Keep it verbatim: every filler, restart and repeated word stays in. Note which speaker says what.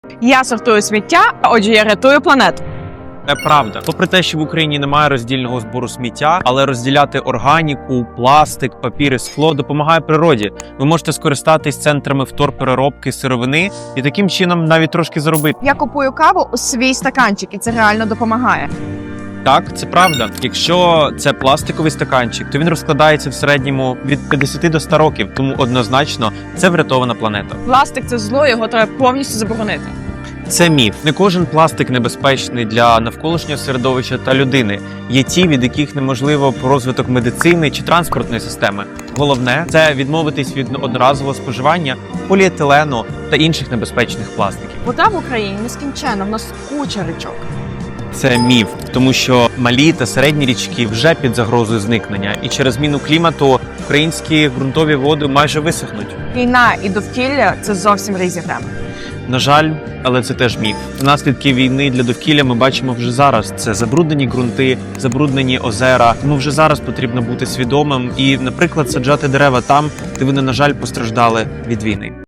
Speaker 1: Я сортую сміття, а отже, я рятую планету.
Speaker 2: Це правда. Попри те, що в Україні немає роздільного збору сміття, але розділяти органіку, пластик, папір і скло допомагає природі. Ви можете скористатись центрами вторпереробки сировини і таким чином навіть трошки заробити.
Speaker 1: Я купую каву у свій стаканчик, і це реально допомагає.
Speaker 2: Так, це правда. Якщо це пластиковий стаканчик, то він розкладається в середньому від п'ятдесят до ста років, тому однозначно це врятована планета.
Speaker 1: Пластик – це зло, його треба повністю заборонити.
Speaker 2: Це міф. Не кожен пластик небезпечний для навколишнього середовища та людини. Є ті, від яких неможливо розвиток медицини чи транспортної системи. Головне – це відмовитись від одноразового споживання поліетилену та інших небезпечних пластиків.
Speaker 1: Вода в Україні нескінченна, в нас куча річок.
Speaker 2: Це міф, тому що малі та середні річки вже під загрозою зникнення, і через зміну клімату українські ґрунтові води майже висохнуть.
Speaker 1: Війна і довкілля – це зовсім різні теми.
Speaker 2: На жаль, але це теж міф. Наслідки війни для довкілля ми бачимо вже зараз. Це забруднені ґрунти, забруднені озера. Тому вже зараз потрібно бути свідомим і, наприклад, саджати дерева там, де вони, на жаль, постраждали від війни.